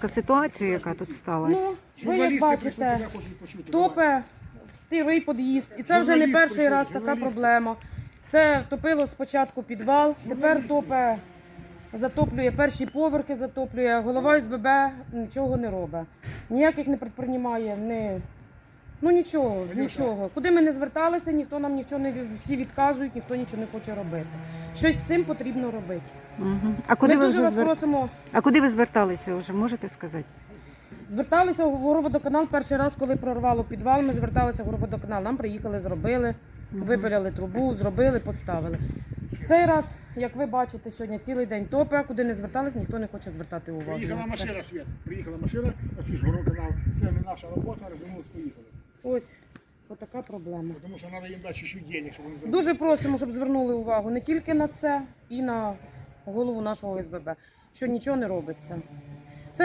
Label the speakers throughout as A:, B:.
A: коротко ситуацію, яка тут сталася?
B: Ну, ви як бачите, топе тирий під'їзд. І це вже не перший раз така проблема. Це топило спочатку підвал, тепер топе, затоплює перші поверхи, затоплює. Голова ОСББ нічого не робить. Ніяких не предприймає, ну нічого. Куди ми не зверталися, ніхто нам нічого не всі відказують, ніхто нічого не хоче робити. Щось з цим потрібно робити.
A: Угу.
B: Ми дуже вас просимо.
A: А куди ви зверталися вже, можете сказати?
B: Зверталися в Горводоканал перший раз, коли прорвало підвал, ми зверталися в Горводоканал, нам приїхали, зробили, випиляли трубу, зробили, поставили. Цей раз, як ви бачите, сьогодні цілий день топе, куди не звертались, ніхто не хоче звертати увагу.
C: Приїхала машина, Свет, приїхала машина, ось ж Горводоканал, це не наша робота, розвернулись, поїхали.
B: Ось, отака проблема.
C: Тому що треба їм дати ще денег, щоб вони заробили.
B: Дуже просимо, щоб звернули увагу не тільки на це, і на голову нашого ОСББ, що нічого не робиться. Це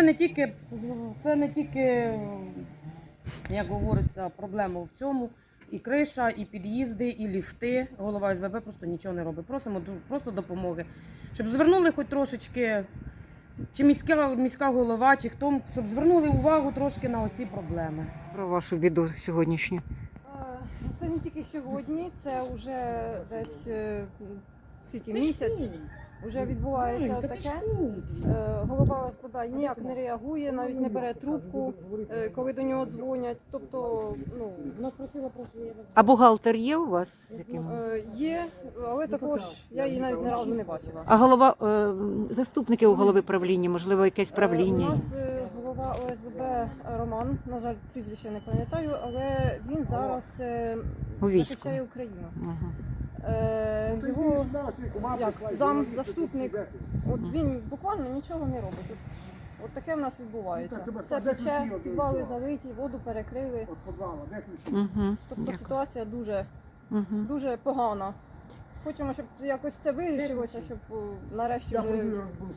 B: не тільки, як говориться, проблема в цьому. І криша, і під'їзди, і ліфти. Голова ОСББ просто нічого не робить. Просимо просто допомоги. Щоб звернули хоч трошечки, чи міська голова, чи хто, щоб звернули увагу трошки на оці проблеми.
A: Про вашу біду сьогоднішню.
D: Це не тільки сьогодні, це вже десь скільки місяць. Вже відбувається таке. Голова ОСББ ніяк не реагує, навіть не бере трубку, коли до нього дзвонять. Тобто,
B: Вона просила просто її
A: А бухгалтер є у вас?
D: є, але також я її навіть ні разу не бачила.
A: А голова, заступники у голови правління, можливо, якесь
D: У
A: правління?
D: нас голова ОСББ Роман, на жаль, прізвище не пам'ятаю, але він зараз
A: У війську.
D: захищає Україну.
A: Ага.
D: Його заступник, от він буквально нічого не робить. От таке в нас відбувається. Все тече, підвали залиті, воду перекрили.
A: Угу.
D: Тобто ситуація дуже,
A: Угу.
D: дуже погана. Хочемо, щоб якось це вирішилося, щоб нарешті вже